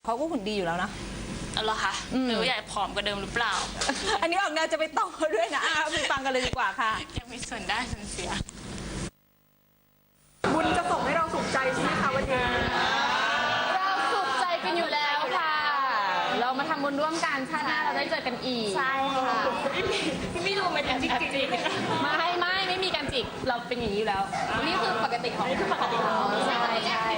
เขาก็หุ่นดีอยู่แล้วนะเอาเหรอคะหรือว่าอยากผอมกว่าเดิมหรือเปล่าอันนี้ออกแนวจะไปต่อด้วยนะไปฟังกันเลยดีกว่าค่ะยังมีส่วนได้ส่วนเสียบุญจะส่งให้เราสุขใจใช่ไหมคะวันนี้เราสุขใจกันอยู่แล้วค่ะ เรามาทำบุญร่วมกันชาติหน้าเราได้เจอกันอีกใช่ค่ะไม่รู้มันจะจริงไม่มีการจิกเราเป็นอย่างนี้อยู่แล้ว นี่คือปกติของนี่คือปกติของเราใช่ใช่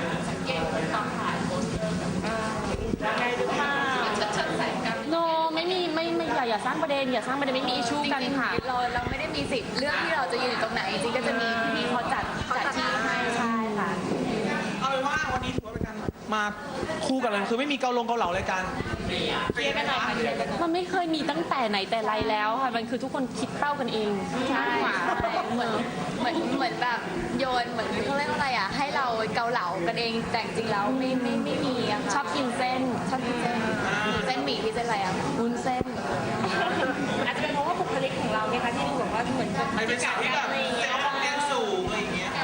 โนไม่อย่าสร้างประเด็นอย่าสร้างประเด็นไม่มีอิชชูกันค่ะเราไม่ได้มีสิทธิ์เรื่องที่เราจะยืนอยู่ตรงไหนจริงๆก็จะมีพี่ๆเขาจัดที่ให้ใช่ค่ะเอาเป็นว่าวันนี้ถือว่าเป็นการมาคู่กันเลยคือไม่มีเกาเหลาเลยกันเคลียร์กันหน่อยค่ะมันไม่เคยมีตั้งแต่ไหนแต่ไรแล้วค่ะมันคือทุกคนคิดเป้ากันเองใช่เหมือนแบบโยนเหมือนเขาเรียกว่าอะไรอ่ะให้เราเกาเหลากันเองแต่จริงๆแล้วไม่มีอะค่ะชอบกินเส้นชอบกินเส้นหมี่พี่เส้นอะไรอ่ะวุ้นเส้นอาจจะเป็นเพราะว่าบุคลิกของเราเนี่ยค่ะที่ดูแบบว่าเหมือนกับไม่เป็นสาวที่แบบเซลล์ความเรียนสูงอะไรอย่างเงี้ย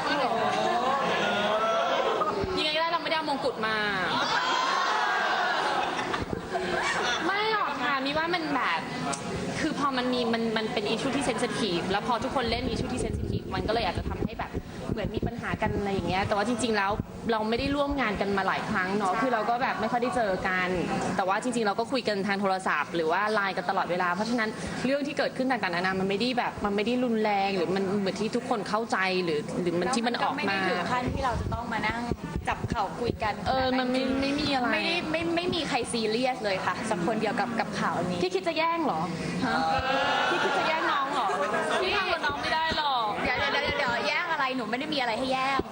ยังไงก็ได้เราไม่ได้เอามงกุฎมา ไม่หรอกค่ะมีว่ามันแบบคือพอมันเป็นอิชชูที่เซนซิทีฟแล้วพอทุกคนเล่นอิชชูที่เซนซิทีฟมันก็เลยอาจจะทำให้แบบเหมือนมีปัญหากันอะไรอย่างเงี้ยแต่ว่าจริงๆแล้วเราไม่ได้ร่วมงานกันมาหลายครั้งเนาะคือเราก็แบบไม่ค่อยได้เจอกัน แต่ว่าจริงๆเราก็คุยกันทางโทรศัพท์หรือว่าไลน์กันตลอดเวลาเพราะฉะนั้นเรื่องที่เกิดขึ้นต่างๆนานามันไม่ได้แบบมันไม่ได้รุนแรงหรือมันเหมือนที่ทุกคนเข้าใจหรือมันที่มันออกไม่มาได้ถึงขั้นที่เราจะต้องมานั่งจับเข่าคุยกันมันไม่มีอะไรไม่มีใครซีเรียสเลยค่ะสักคนเดียวกับข่าวนี้พี่คิดจะแย่งเหรอพี่คิดจะแย่งน้องเหรอพี่ทำกับน้องไม่ได้หรอกเดี๋ยวแย่งอะไรหนูไม่ได้มีอะไรให้แย่ง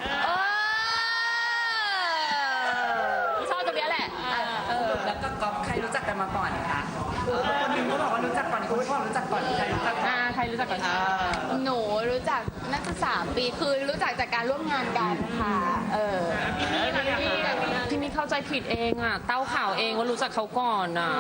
ชอบตรงเนี้ยแหละแล้วก็ก๊อฟใครรู้จักกันมาก่อนคะคนหนึ่งเขาบอกว่ารู้จักก่อนคนที่บอกรู้จักก่อนใครรู้จักก่อนใครรู้จักก่อนหนูรู้จักน่าจะ3 ปีคือรู้จักจากการร่วมงานกันค่ะพี่มีเข้าใจผิดเองอ่ะเต้าข่าวเองว่ารู้จักเขาก่อนอ่ะ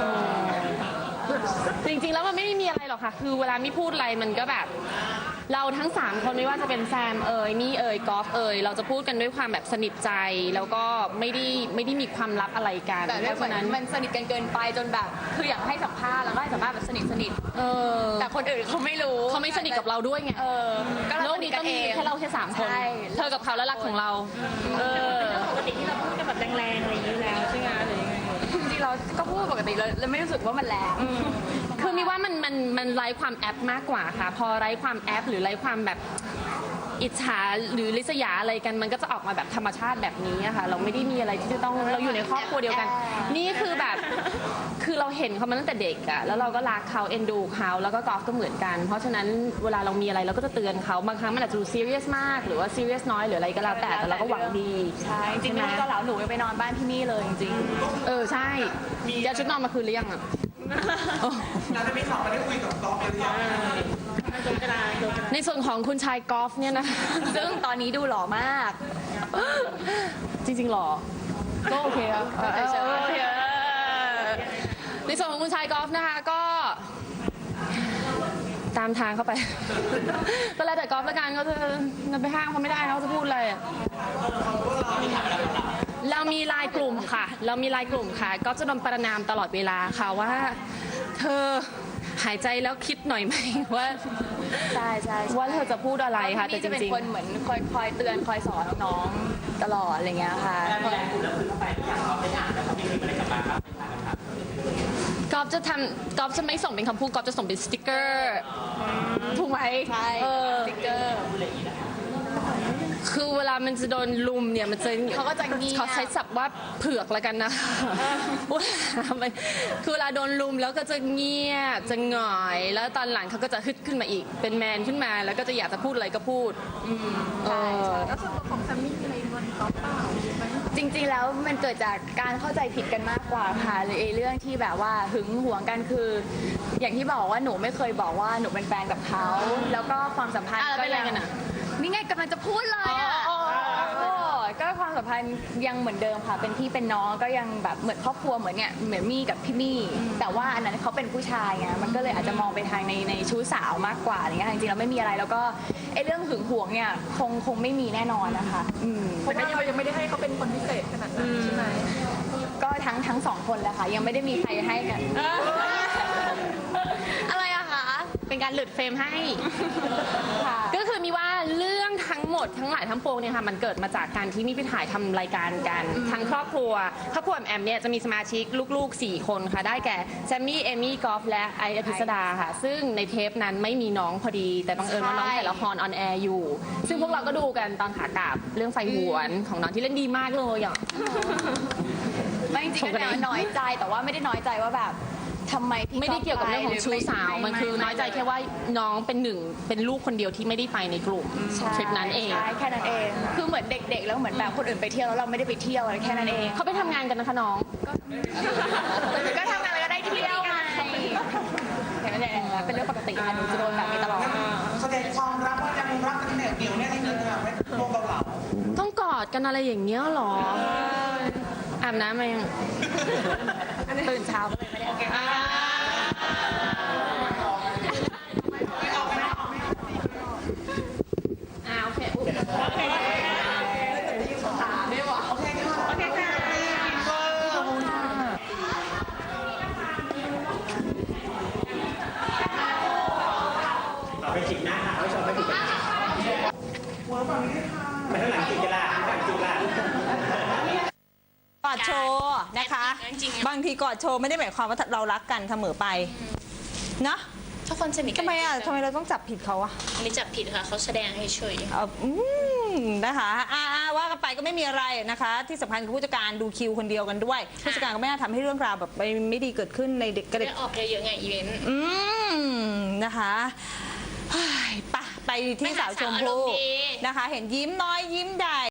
จริงๆแล้วมันไม่ได้มีอะไรหรอกค่ะคือเวลามีพูดอะไรมันก็แบบเราทั้ง3คนไม่ว่าจะเป็นแซมมี่กอล์ฟเราจะพูดกันด้วยความแบบสนิทใจแล้วก็ไม่ได้มีความลับอะไรกันแต่เพราะฉะนั้นมันสนิทกันเกินไปจนแบบคืออยากให้สัมภาษณ์แล้วก็ให้สัมภาษณ์แบบสนิทแต่คนอื่นเขาไม่รู้เขาไม่สนิทกับเราด้วยไงก็โลเรากสนินี้ทกัต้อน งเอมีงแค่เราแค่3 คนใช่เธอกับเขาและรักของเราปกติที่เราพูดกันแบบแรงๆอะไรอย่างนี้แล้วใช่ไหมอะไรอย่างเงี้ยจริงๆเราก็พูดปกติเลยไม่รู้สึกว่ามันแรงคือมีว่ามันไร้ความแอปมากกว่าค่ะ พอไร้ความแอปหรือไร้ความแบบอิจฉาหรือริษยาอะไรกันมันก็จะออกมาแบบธรรมชาติแบบนี้อะค่ะเราไม่ได้มีอะไรที่จะต้องเราอยู่ในครอบครัวเดียวกัน นี่คือแบบคือเราเห็นเขามาตั้งแต่เด็กอะแล้วเราก็รักเขาเอ็นดูเขาแล้วก็กอล์ฟก็เหมือนกัน เพราะฉะนั้นเวลาเรามีอะไรเราก็จะเตือนเขาบางครั้งมันอาจจะดูซีเรียสมากหรือว่าซีเรียสน้อยหรืออะไรก็แล้วแต่เราก็หวังดีใช่จริงๆไม่ได้ก็เหลาหนูไปนอนบ้านพี่มี่เลยจริงใช่เดี๋ยวชุดนอนมาคืนหรือยังอะเราจะมีสองมาได้คุยกับก๊อฟเลยหรือยังในส่วนของคุณชายกอล์ฟเนี่ยนะๆซึ่งตอนนี้ดูหล่อมากจริงๆหรอ ก็โอเคครับเฉยๆโอเคในส่วนของคุณชายกอล์ฟนะคะก็ตามทางเข้าไป ก็แล้วแต่กอล์ฟละกันเขาจะไปห้ามเขาไม่ได้เขาจะพูดอะไรอะเรามีไลน์กลุ่มค่ะ ก็จะโดนประนามตลอดเวลาค่ะว่าเธอหายใจแล้วคิดหน่อยไหมว่าใช่ๆว่าเธอจะพูดอะไรค่ะแต่พี่จจะเป็นริงคนเหมือนคอยเตือนคอยสอนน้องๆตลอดอะไรเงี้ยค่ะๆกอล์ฟจะไม่ส่งเป็นคำพูดกอล์ฟจะส่งเป็นสติกเกอร์ถูกไหมใช่สติ๊กเกอร์คือเวลามันจะโดนลุมเนี่ยมันจะเขาก็จะเงียบเขาใช้ศัพท์ว่าเผือกแล้วกันนะเวลามันคือเวลาโดนลุมแล้วก็จะเงียบจะหงอยแล้วตอนหลังเขาก็จะฮึดขึ้นมาอีกเป็นแมนขึ้นมาแล้วก็จะอยากจะพูดอะไรก็พูดใช่แล้วส่วนตัวของแซมมี่มีอะไรงอนก๊อฟเปล่าไหมจริงๆแล้วมันเกิดจากการเข้าใจผิดกันมากกว่าค่ะหรือไอ้เรื่องที่แบบว่าหึงหวงกันคือ อย่างที่บอกว่าหนูไม่เคยบอกว่าหนูเป็นแฟนกับเขาแล้วก็ความสัมพันธ์แล้วก็เป็นอะไรยังกันอะนี่ไงกำลังจะพูดเลยอ่ะ ก็ความสัมพันธ์ยังเหมือนเดิมค่ะ เป็นพี่เป็นน้องก็ยังแบบเหมือนครอบครัวเหมือนเนี่ยเหมือนมี่กับพี่มี่ แต่ว่าอันนั้นเขาเป็นผู้ชายไงมันก็เลยอาจจะมองไปทางในชู้สาวมากกว่าอะไรเงี้ยจริงๆเราไม่มีอะไรแล้วก็ไอ้เรื่องหึงหวงเนี่ยคงไม่มีแน่นอนนะคะแต่ก็ยังไม่ได้ให้เขาเป็นคนพิเศษขนาดนั้นใช่ไหมก็ทั้งสองคนแหละค่ะยังไม่ได้มีใครให้กัน อะไรอะคะเป็นการหลุดเฟรมให้ค่ะก็คือมีว่าเรื่องทั้งหมดทั้งหลายทั้งปวงเนี่ยค่ะมันเกิดมาจากการที่มีไปถ่ายทำรายการกันทั้งครอบครัวแอมเนี่ยจะมีสมาชิกลูกๆ4 คนค่ะได้แก่แซมมี่เอมี่กอล์ฟและไออภิสดาค่ะซึ่งในเทปนั้นไม่มีน้องพอดี แต่บังเอิญว่าน้องถ่ายละครออนแอร์อยู่ ซึ่งพวกเราก็ดูกันตอนขากลับเรื่องไฟหวนของน้องที่เล่นดีมากเลยอ่ะไม่จริงๆก็น้อยใจแต่ว่าไม่ได้น้อยใจว่าแบบทำไมพี่ไม่ได้เกี่ยวกับเรื่องของชู้สาวมันคือน้อยใจแค่ว่าน้องเป็นลูกคนเดียวที่ไม่ได้ไปในกลุ่มทริปนั้นเองใช่แค่นั้นเองคือเหมือนเด็กๆแล้วเหมือนแบบคนอื่นไปเที่ยวแล้วเราไม่ได้ไปเที่ยวอะไรแค่นั้นเองเขาไปทำงานกันนะคะน้องก็ทำงานแล้วก็ได้เที่ยวไงเห็นไหมเนี่ยเป็นเรื่องปกติค่ะหนูจะโดนแบบนี้ตลอดแสดงความรักว่ายังรักกันเหนียวแน่นจริงๆไม่โดนเกาเหลาต้องกอดกันอะไรอย่างเงี้ยหรออาบน้ำมายังตื่นเช้าก็เลยไม่ได้โอเคอุ๊ยเอาไปจิกหน้าเอาไปชมไปจิกกันไปข้างหลังจิกกันละข้างหลังจิกละกอดโชว์นะคะ บางทีกอดโชว์ไม่ได้หมายความว่าเรารักกันเสมอไปเนาะถ้าคนสนิทกัทำไมอ่ะทำไมเราต้องจับผิดเขาอะอันนี้จับผิดค่ะเขาแสดงให้เฉยนะคะว่ากันไปก็ไม่มีอะไรนะคะ ที่สำคัญคือผู้จัดการดูคิวคนเดียวกันด้วยผู้จัดการก็ไม่น่าทำให้เรื่องราวแบบไม่ดีเกิดขึ้นในเด็กกระเด็กได้ออกเยอะๆไงอีเวนต์นะคะเฮ้ยไปที่สาวชมพู่นะคะ เห็นยิ้มน้อยยิ้มใหญ่